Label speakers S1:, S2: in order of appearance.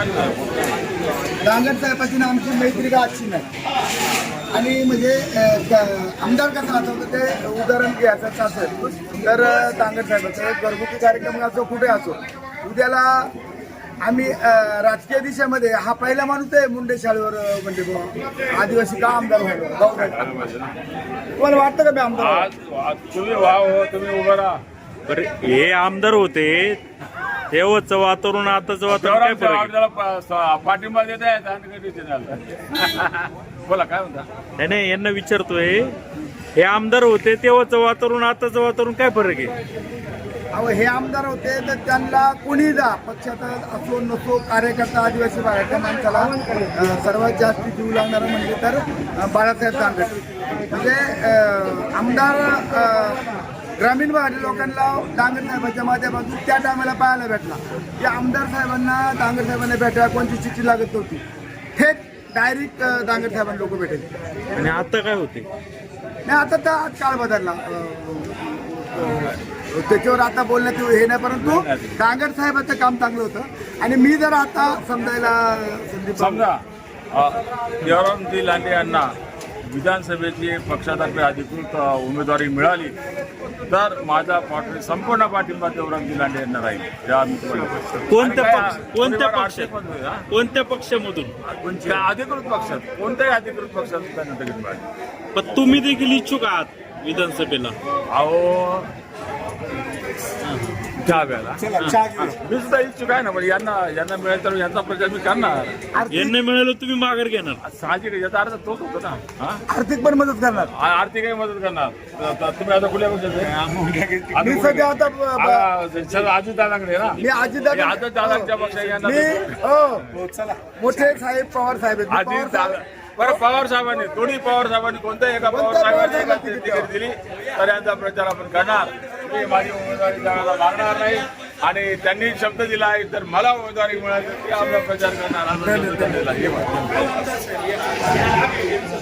S1: डांगर साहेबाची आमची मैत्री का अच्छी नाही आणि म्हणजे आमदार कसं असं ते उदाहरण घ्यायचं असेल तर डांगर साहेबाचं घरगुती कार्यक्रम असो कुठे असो उद्याला आम्ही राजकीय दिशेमध्ये हा पहिला माणूस आहे मुंडे शाळेवर म्हणजे आदिवासी का आमदार व्हायला तुम्हाला वाटतं का मी आमदार
S2: तुम्ही व्हा तुम्ही उभं राहा.
S3: बरं हे आमदार होते तेव्हाच वातावरण आताच वातावरण काय फरक आहे?
S2: पाठिंबा देत आहेत बोला काय म्हणता.
S3: नाही नाही यांना विचारतोय हे आमदार होते तेव्हाच वातावरण आताच वातावरण काय फरक आहे?
S1: अहो हे आमदार होते तर त्यांना कोणी जा पक्षात असो नसो कार्यकर्ता आदिवासी भागाच्या माणसाला सर्वात जास्त जीव लागणारा म्हणजे तर बाळासाहेब दांगट म्हणजे आमदार ग्रामीण भागातील लोकांना डांगर साहेबांच्या माध्यमातून त्या टायमाला पाहायला भेटला की आमदार साहेबांना डांगर साहेबांना भेटायला कोणती चिठ्ठी लागत नव्हती थेट डायरेक्ट डांगर साहेबांना लोक भेटायचे.
S3: आणि आता काय होते?
S1: नाही आता तर आज काळ बदलला त्याच्यावर आता बोलण्यात हे नाही परंतु डांगर साहेबांचं काम चांगलं होतं आणि मी जर आता समजायला
S2: समजा देवरामजी लांडे यांना विधानसभेची पक्षातर्फे अधिकृत उमेदवारी मिळाली तर माझा संपूर्ण पाठिंबा देवरामजी लांडे यांना राहील.
S3: कोणत्या पक्षामधून?
S2: अधिकृत पक्षात कोणत्याही अधिकृत पक्षात त्यांना तिकीट मिळाली.
S3: पण तुम्ही देखील इच्छुक आहात विधानसभेला?
S2: अहो त्या वेळेला मी सुद्धा इच्छुक आहे ना म्हणजे यांना मिळेल तर यांचा प्रचार मी करणार.
S3: यांना मिळालं तुम्ही माघार घेणार?
S2: साहजिक याचा अर्थ तोच होतो ना.
S1: आर्थिक पण मदत करणार
S2: आर्थिकही मदत करणार. तुम्ही आता कुठल्या पक्षाचे?
S1: मी सध्या आता
S2: अजितदादांकडे ना.
S1: मी
S2: अजितदादांच्या पक्षात
S1: मोठे साहेब पवार साहेब
S2: बरं पवार साहेबांनी दोन्ही पवार साहेबांनी कोणत्याही एका पवार साहेबांनी तिकीट दिली तर यांचा प्रचार आपण करणार. मी माझी उमेदवारी द्यायला लागणार नाही आणि त्यांनी शब्द दिला आहे तर मला उमेदवारी मिळाली की आपला प्रचार करणार.